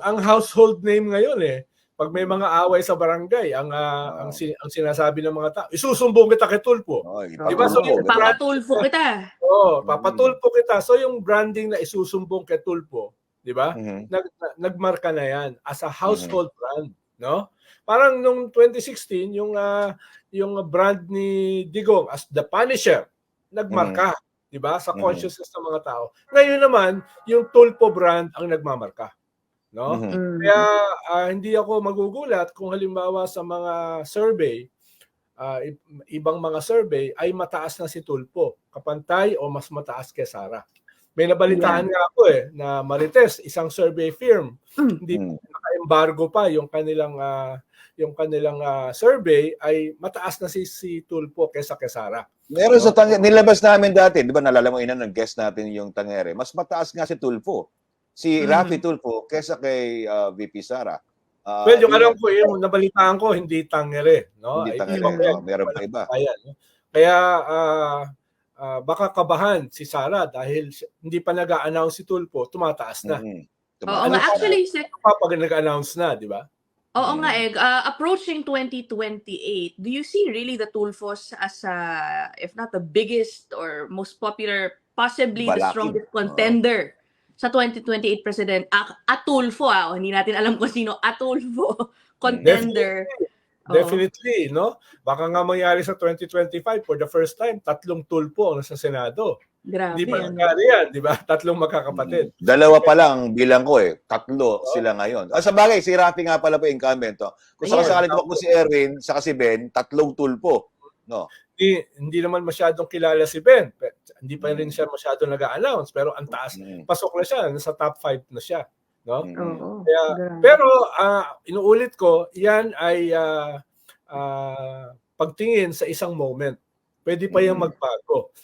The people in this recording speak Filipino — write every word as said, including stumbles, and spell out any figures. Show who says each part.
Speaker 1: ang household name ngayon eh. Pag may mga away sa barangay, ang uh,
Speaker 2: Oh.
Speaker 1: ang, sin ang sinasabi ng mga tao, isusumbong kita kay Tulfo.
Speaker 2: Oh,
Speaker 1: Di ba? So, yung
Speaker 3: papatulfo kita.
Speaker 1: Oh, papatulfo kita. So yung branding na isusumbong kay Tulfo, di ba?
Speaker 2: Mm-hmm.
Speaker 1: Nag nagmarka na yan as a household mm-hmm. brand, no? Parang nung twenty sixteen, yung uh, yung brand ni Digong as the Punisher, nagmarka, mm-hmm. di ba? Sa consciousness mm-hmm. ng mga tao. Ngayon naman, yung Tulfo brand ang nagmamarka. No? Mm-hmm. Kaya uh, hindi ako magugulat kung halimbawa sa mga survey, uh, ibang mga survey ay mataas na si Tulfo, kapantay o mas mataas kay Sara. May nabalitaan yeah. nga ako eh na Marites, isang survey firm, mm-hmm. hindi naka-embargo pa yung kanilang uh, yung kanilang uh, survey ay mataas na si si Tulfo kaysa kay Sara.
Speaker 2: Meron no? Sa tang nilabas namin dati, di ba nalala mo ina nag-guest natin yung Tangere, mas mataas nga si Tulfo. Si mm-hmm. Raffy Tulfo kesa kay uh, V P Sara.
Speaker 1: Uh, well, yung alam ko, yung nabalitaan ko, hindi Tangere. No?
Speaker 2: Hindi Tangere, no? Meron pa iba.
Speaker 1: Ayan, no? Kaya uh, uh, baka kabahan si Sara dahil hindi pa nag-a-announce si Tulfo, tumataas na.
Speaker 3: Mm-hmm. Oo nga, actually,
Speaker 1: pa, pag nag-a-announce na, di ba?
Speaker 3: Oo mm-hmm. nga, eh. Uh, approaching twenty twenty-eight, do you see really the Tulfos as, uh, if not the biggest or most popular, possibly Balaki. the strongest contender? Oh. Sa twenty twenty-eight president, Atulfo, ah, hindi natin alam kung sino, Atulfo, contender.
Speaker 1: Definitely, definitely no? Baka nga mangyari sa twenty twenty-five, for the first time, tatlong Tulfo ang nasa Senado.
Speaker 3: Grabe.
Speaker 1: Di ba nangyari yan, di ba? Tatlong magkakapatid.
Speaker 2: Dalawa pa lang, bilang ko eh. Tatlo oh. sila ngayon. Ah, sa bagay, si Raffy nga pala po incumbent. Oh. Kung sakasakali ko si Erwin, saka si Ben, tatlong Tulfo. No?
Speaker 1: Hindi, hindi naman masyadong kilala si Ben. Hindi pa rin siya masyadong nag-a-announce, pero ang taas, pasok na siya, nasa top five na siya. No?
Speaker 3: Mm-hmm.
Speaker 1: Kaya, pero uh, inuulit ko, yan ay uh, uh, pagtingin sa isang moment. Pwede pa yung magbago.